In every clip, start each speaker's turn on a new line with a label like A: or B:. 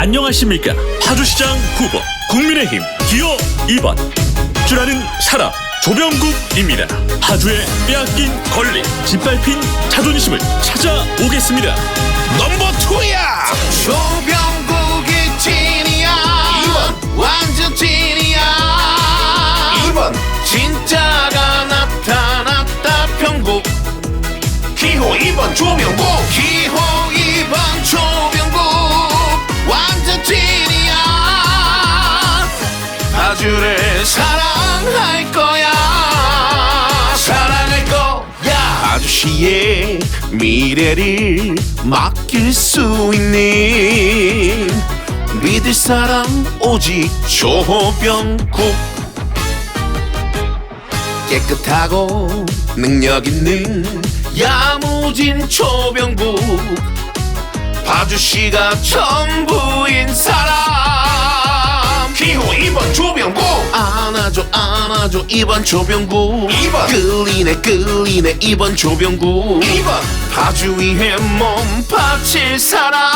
A: 안녕하십니까. 파주시장 후보 국민의힘 기호 2번 주라는 사람 조병국입니다. 파주의 빼앗긴 권리 짓밟힌 자존심을 찾아오겠습니다.
B: 넘버 2야 조병국이 찐이야 2번 완전 찐이야 2번 진짜가 나타났다 병국 기호 2번 조병국 기호 2번 조병국 완전 찐이야 파주를 사랑할 거야 사랑할 거야 아저씨의 미래를 맡길 수 있는 믿을 사람 오직 조병국 깨끗하고 능력 있는 야무진 조병국 파주시가 전부인 사람 기호 2번 조병국 안아줘 안아줘 2번 조병국 2번 끌리네 2번 조병국 2번 파주 위에 몸 바칠 사람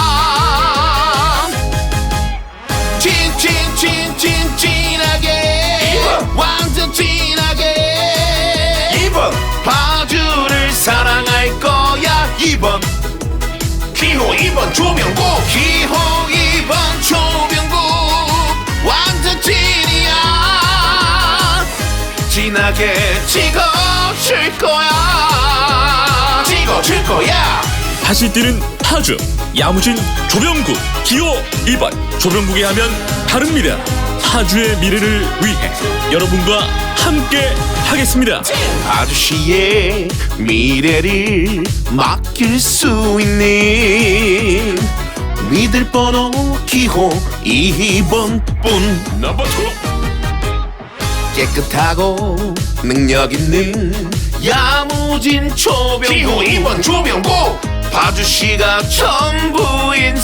B: 진하게 2번 완전 진하게 2번 파주를 사랑할 거야 2번 기호 2번 조병국 기호 2번 조병국 완전 찐이야 진하게 찍어줄 거야 찍어줄 거야
A: 다시 뛰는 파주 야무진 조병국 기호 2번 조병국이 하면 다릅니다. 파주의 미래를 위해 여러분과 함께 하겠습니다.
B: 아저씨의 미래를 맡길 수 있는 믿을 번호 기호 2번 뿐
A: 넘버 2
B: 깨끗하고 능력 있는 야무진 조병국 기호 2번 조병국 파주시가 전부인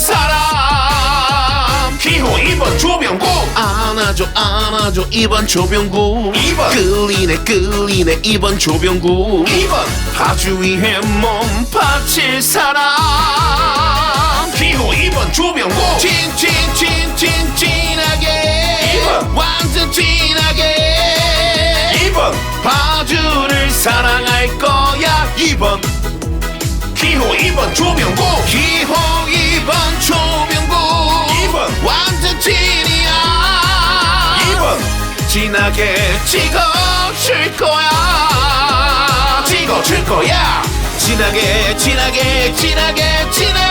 B: 사람 기호 2번 조병국 안아줘 안아줘 2번 조병국 2번 끌리네 2번 조병국 2번 파주 위에 몸 바칠 사람 기호 2번 조병국 진하게 2번 완전 진하게 2번 파주를 사랑할 거야 2번 기호 2번 조병국 기호 2번 조병국 2번 완전 찐이야 2번 진하게 찍어줄 거야 찍어줄 거야 진하게